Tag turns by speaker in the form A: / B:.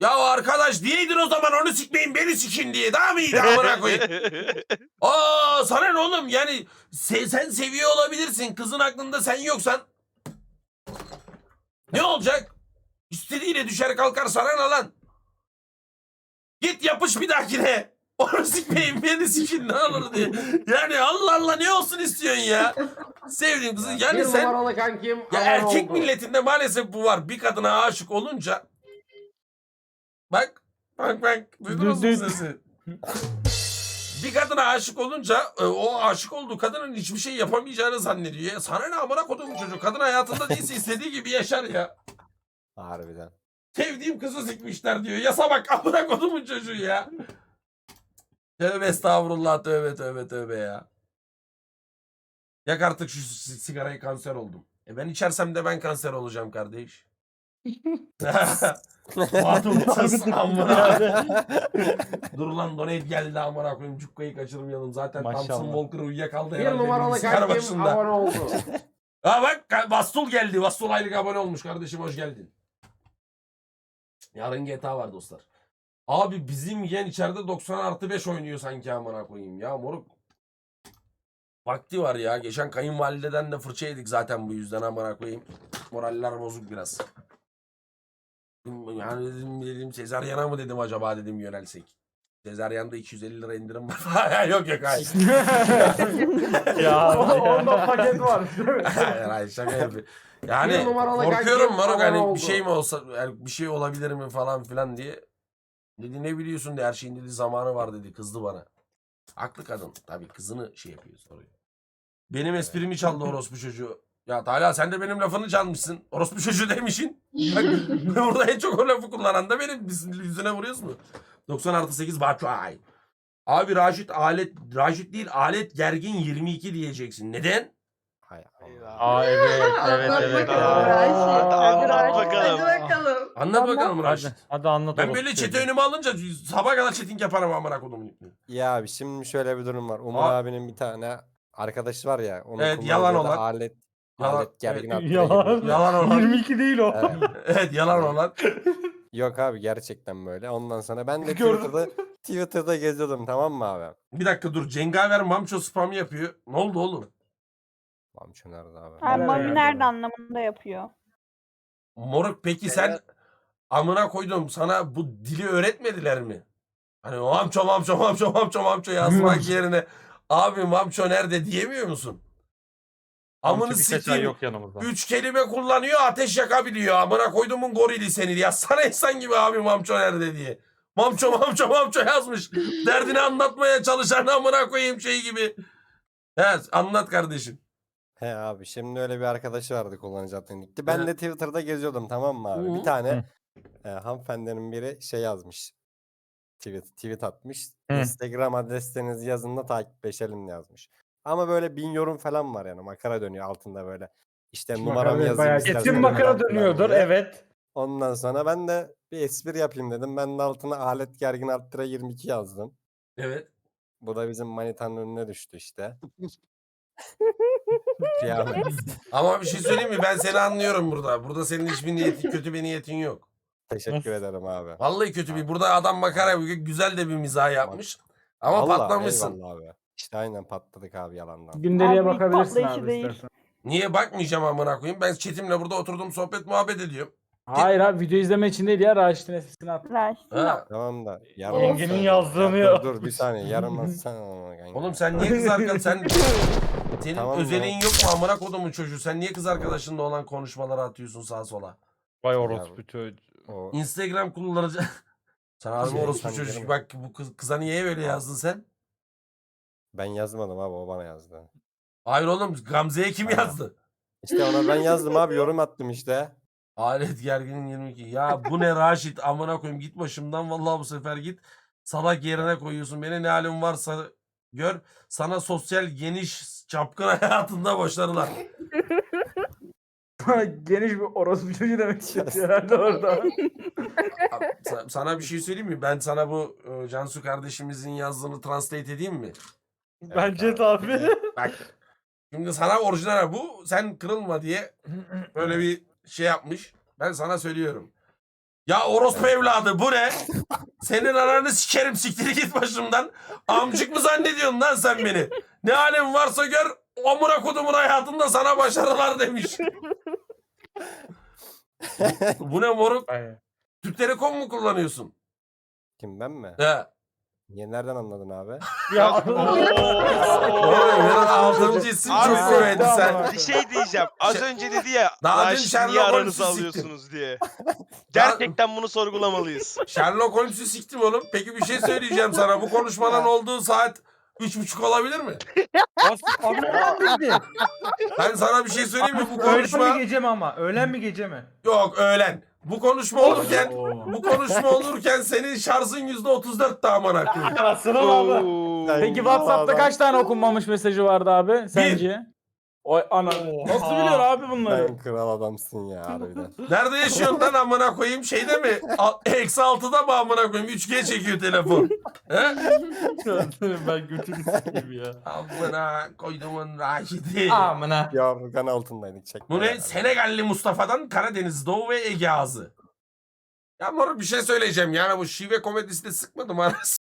A: Ya arkadaş diyeydin o zaman onu sikmeyin beni sikin diye. Daha mı iyiydi amına koyayım? Aa sana ne oğlum yani sen seviyor olabilirsin. Kızın aklında sen yoksan. Ne olacak? İstediğiyle düşer kalkar sana ne lan? Git yapış bir dahakine. Onu sikmeyin beni sikin ne olur diye. Yani Allah Allah ne olsun istiyorsun ya? Sevdiğim kızı yani
B: Bir
A: sen...
B: numaralı kankim
A: Ya
B: abone
A: erkek
B: oldu.
A: milletinde maalesef bu var. Bir kadına aşık olunca... Bak duydunuz mu sesi? Bir kadına aşık olunca o aşık olduğu kadının hiçbir şey yapamayacağını zannediyor. Ya sana ne amına koduğum çocuk? Kadın hayatında değilse istediği gibi yaşar ya.
C: Harbiden.
A: Sevdiğim kızı sikmişler diyor. Yasa bak amına kodumun çocuğu ya. Tövbe estağfurullah tövbe ya. Yak artık şu sigarayı kanser oldum. Ben içersem de ben kanser olacağım kardeş. Batumsuz amına. Dur lan donate geldi amına koyayım. Cukkayı kaçırmayalım. Zaten
D: Maşallah.
A: Thompson Walker uyuyakaldı
B: Bir
A: herhalde.
B: numaralı
A: bilgisayar
B: kankim
A: başında.
B: abone oldu.
A: Ha bak Vastul geldi. Vastul aylık abone olmuş kardeşim hoş geldin. Yarın GTA var dostlar. Abi bizim yeğen içeride 90+5 oynuyor sanki amına koyayım ya moruk. Vakti var ya. Geçen kayınvalideden de fırça yedik zaten bu yüzden amına koyayım. Moraller bozuk biraz. Yani dedim Sezaryana mı dedim acaba dedim yönelsek. Sezaryan'da 250 lira indirim var. Yok hayır.
D: Ya.
B: Onda paket var.
A: Hayır şaka yapıyorum. Yani
B: Bir numaralı
A: korkuyorum
B: kankim
A: Marok
B: abone
A: hani
B: oldu.
A: bir şey mi olsa yani bir şey olabilir mi falan filan diye. Dedi ne biliyorsun de her şeyin dedi zamanı var dedi kızdı bana. Haklı kadın tabii kızını şey yapıyor soruyor. Benim esprimi çaldı orospu çocuğu. Ya Talha sen de benim lafını çalmışsın. Orospu çocuğu demişsin. Bak burada en çok o lafı kullanan da benim. Biz yüzüne vuruyoruz mu? 90+8 Batuay. Abi Raşit değil alet gergin 22 diyeceksin. Neden?
C: Hay Allah.
D: Aa evet.
E: Anlat bakalım
D: Aa.
E: Raşit.
F: Hadi anlat
E: Hadi
F: bakalım.
E: bakalım.
A: Anlat bakalım Raşit.
D: Hadi anlat.
A: Ben
D: orospu
A: böyle çete
D: çocuğu.
A: önüme alınca sabah kadar chatting yaparım amına kodumun ipini.
C: Ya abi şimdi şöyle bir durum var. Umur
A: Aa.
C: abinin bir tane arkadaşı var ya. Onun
A: Evet,
C: kullandığı
A: yalan
C: da
A: olan.
C: alet gergin
A: evet.
C: attıra
D: Yalan.
C: gibi.
A: Yalan olan.
D: 22 değil o.
C: Evet.
A: Evet yalan olan.
C: Yok abi gerçekten böyle. Ondan sonra ben de
D: Gördüm.
C: Twitter'da geziyordum tamam mı abi?
A: Bir dakika dur Cengaver Mamço spam yapıyor. Ne oldu oğlum?
C: Mamço nerede abi?
D: Nerede
G: Mami
D: yani?
G: nerede anlamında yapıyor.
A: Moruk peki sen amına koydum sana bu dili öğretmediler mi? Hani mamço yazmak yerine abi mamço nerede diyemiyor musun? Amını
D: Bir seçen
A: sikeyim.
D: yok yanımızda.
A: 3 kelime kullanıyor ateş yakabiliyor. Amına koyduğumun gorili seni diye. Sana insan gibi abi mamço nerede diye. Mamço yazmış. Derdini anlatmaya çalışan amına koyayım şey gibi. He anlat kardeşim.
C: He abi şimdi öyle bir arkadaşı vardı kullanıcı adını gitti. Ben
A: Evet.
C: de Twitter'da geziyordum tamam mı abi?
A: Hı.
C: Bir tane hanımefendinin biri şey yazmış. Tweet atmış.
D: Hı.
C: Instagram adreslerinizi yazın da takipleşelim yazmış. Ama böyle 1000 yorum falan var yani makara dönüyor altında böyle. İşte numaramı yazayım
B: bayağı
C: isterseniz
D: Kesin
C: falan
D: makara
C: filan
D: dönüyordur
C: diye.
D: evet.
C: Ondan sonra ben de bir espri yapayım dedim. Ben de altına alet gergin arttıra 22 yazdım.
A: Evet.
C: Bu da bizim manitanın önüne düştü işte. Kıyamet.
A: Ama bir şey söyleyeyim mi? Ben seni anlıyorum burada. Burada senin hiçbir niyetin, kötü bir niyetin yok.
C: Teşekkür
D: Nasıl?
C: ederim abi.
A: Vallahi kötü bir. Burada adam makara yapıyor. Güzel de bir mizah yapmış. Ama
C: Vallahi,
A: patlamışsın.
C: eyvallah abi. İşte aynen patladık abi yalandan.
B: Gündeliğe
G: Abi,
B: bakabilirsin
G: patlayıcı
B: abi
G: değil.
B: istersen.
A: Niye bakmayacağım amına koyayım? Ben chatimle burada oturdum sohbet muhabbet ediyorum.
B: Hayır abi video izleme için değil ya Raşit'in esprisini at.
G: Raşit'in
A: Ha.
C: Tamam da
D: Yengenin
C: atsana.
D: yazdığını
C: Ya
D: ya.
C: dur bir saniye yarım atsana ona kanka.
A: Oğlum sen niye kız arkadaşın senin
C: Tamam,
A: özelliğin
C: tamam.
A: yok mu amına kodumun çocuğu? Sen niye kız arkadaşınla olan konuşmaları atıyorsun sağa sola?
D: Vay orospu çocuğu.
C: O
A: Instagram kullanıcı... Sen abi
C: Şey,
A: orospu
C: sen
A: çocuk
C: girme.
A: bak bu kıza niye böyle yazdın sen?
C: ben yazmadım abi o bana yazdı.
A: Hayır oğlum Gamze'ye kim
C: Ha.
A: yazdı?
C: İşte ona ben yazdım abi yorum attım işte.
A: Alet gerginin 22. Ya bu ne Raşit amına koyayım git başımdan vallahi bu sefer git. Salak yerine koyuyorsun. Beni ne halin varsa gör. Sana sosyal geniş çapkın hayatında başarılar.
B: Geniş bir orospu çocuğu demek istiyor herhalde orada.
A: Sana bir şey söyleyeyim mi? Ben sana bu Cansu kardeşimizin yazdığını translate edeyim mi?
D: Bence de abi.
A: Bak. Şimdi sana orijinal bu. Sen kırılma diye böyle bir şey yapmış. Ben sana söylüyorum. Ya orospu evladı bu ne? Senin ananı sikerim, siktir git başımdan. Amcık mı zannediyorsun lan sen beni? Ne halin varsa gör, amına kodumun hayatında sana başarılar demiş. Bu ne moruk?
D: Ay.
A: Türk Telekom mu kullanıyorsun?
C: Kim ben mi?
A: He.
C: Niye nereden anladın abi?
D: Ya.
A: Oğlum benim 6. isim
E: Abi,
A: çok kuvvetli sen.
E: Bir şey diyeceğim. Az önce dedi ya.
A: Daha dün
E: Raşit'i
A: Sherlock
E: niye aranızı
A: Holmes'u siktim.
E: alıyorsunuz diye. Gerçekten bunu sorgulamalıyız.
A: Sherlock Holmes'u siktim oğlum. Peki bir şey söyleyeceğim sana. Bu konuşmanın olduğu saat 3.30 olabilir mi?
D: Abi ne
A: Ben sana bir şey söyleyeyim mi? Bu
B: Öğlen
A: konuşma...
B: mi gece mi ama? Öğlen mi gece mi?
A: Yok öğlen. Bu konuşma olurken senin şarjın %34 daha amına koyayım.
D: Sıra abi.
E: Oo.
F: Peki WhatsApp'ta kaç tane okunmamış mesajı vardı abi sence? O ana. Nasıl biliyor abi bunları?
C: Sen kral adamsın ya harbiden.
A: Nerede yaşıyorsun lan amına koyayım? Şeyde mi? -6'da mı amına koyayım? 3G çekiyor telefon. He?
F: Ben götünü sikeyim ya.
A: Amına koyduğumun Raşidi.
B: Amına.
C: Yorgan altındaydık çekme.
A: Bu ne?
C: yani.
A: Senegalli Mustafa'dan Karadeniz, Doğu ve Ege ağzı. Ya moruk bir şey söyleyeceğim. Yani bu şive komedisi de sıkmadım anasını.